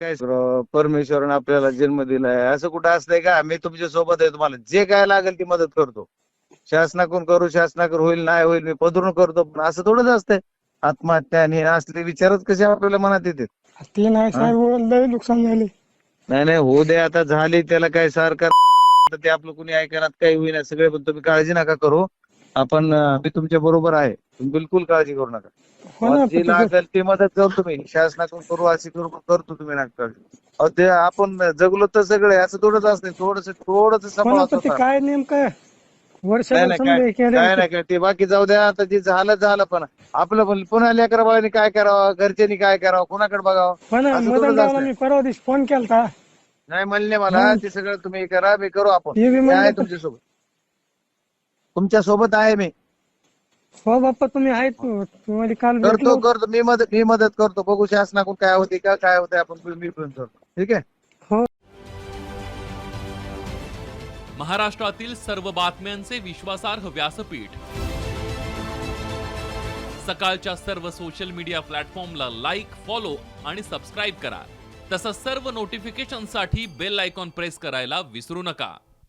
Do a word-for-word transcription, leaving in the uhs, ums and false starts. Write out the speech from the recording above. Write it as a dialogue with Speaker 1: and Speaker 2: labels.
Speaker 1: काय परमेश्वरानं आपल्याला जन्म दिलाय असं कुठं असतंय का? मी तुमच्या सोबत आहे, तुम्हाला जे काय लागेल ती मदत करतो. शासनाकडून करू, शासनाकडून होईल नाही होईल मी पदरून करतो, पण असं थोडंच असतंय. आत्महत्या आणि हे असले विचारच कसे आपल्याला मनात येते?
Speaker 2: ते नाही
Speaker 1: हा?
Speaker 2: साहेब, लय नुकसान झाले.
Speaker 1: नाही नाही होऊ दे, आता झाली त्याला काय सरकार ते आपलं कुणी ऐकणार काही होईना सगळे, पण तुम्ही काळजी नका करू. आपण अं, मी तुमच्या बरोबर आहे, तुम्ही बिलकुल काळजी करू नका.
Speaker 2: हो
Speaker 1: मग
Speaker 2: ना,
Speaker 1: जे
Speaker 2: पण ते-
Speaker 1: लागेल ते मदत करतो मी, शासनाकडून करू अशी करू करतो, तुम्ही नका काळजी. अहो ते आपण जगलो तर सगळे असं थोडंच असते, थोडस थोडंच
Speaker 2: हो ना,
Speaker 1: सांभाळा
Speaker 2: पण ते
Speaker 1: स्वतःला.
Speaker 2: काय नेमकं
Speaker 1: नाही
Speaker 2: वर्षभर
Speaker 1: नाही काय
Speaker 2: समजा हे केलं
Speaker 1: काय नाही काय ते बाकी जाऊ द्या, आता जे झालं झालं, पण आपलं पण पुन्हा लेकरा बाळांनी काय करावं, घरच्यांनी काय करावं, कोणाकडे बघावं,
Speaker 2: हो ना.
Speaker 1: असं थोडंच
Speaker 2: मदनरावला
Speaker 1: असतंय.
Speaker 2: मी परवा दिवशी फोन केलता.
Speaker 1: नाही म्हणले मला
Speaker 2: हा.
Speaker 1: ते सगळं तुम्ही करा, मी करू, आपण
Speaker 2: ते बी
Speaker 1: मी
Speaker 2: म्हणले
Speaker 1: आहे
Speaker 2: तर-
Speaker 1: तुमच्या सोबत, तुमच्या सोबत आहे मी.
Speaker 2: हो बाप्पा, तुम्ही आहेत. तुम्हाला काल
Speaker 1: करतो
Speaker 2: भेटलो.
Speaker 1: करतो मी मदत मी मदत करतो, बघू शासनाकडून काय होते का काय होते, आपण मी पण करतो. ठीक आहे.
Speaker 2: हो.
Speaker 3: महाराष्ट्रातील सर्व बातम्यांचे विश्वासार्ह व्यासपीठ, सकाळच्या सर्व सोशल मीडिया प्लॅटफॉर्मला लाईक, फॉलो आणि सबस्क्राईब करा. तसंच सर्व नोटिफिकेशनसाठी बेल आयकॉन प्रेस करायला विसरू नका.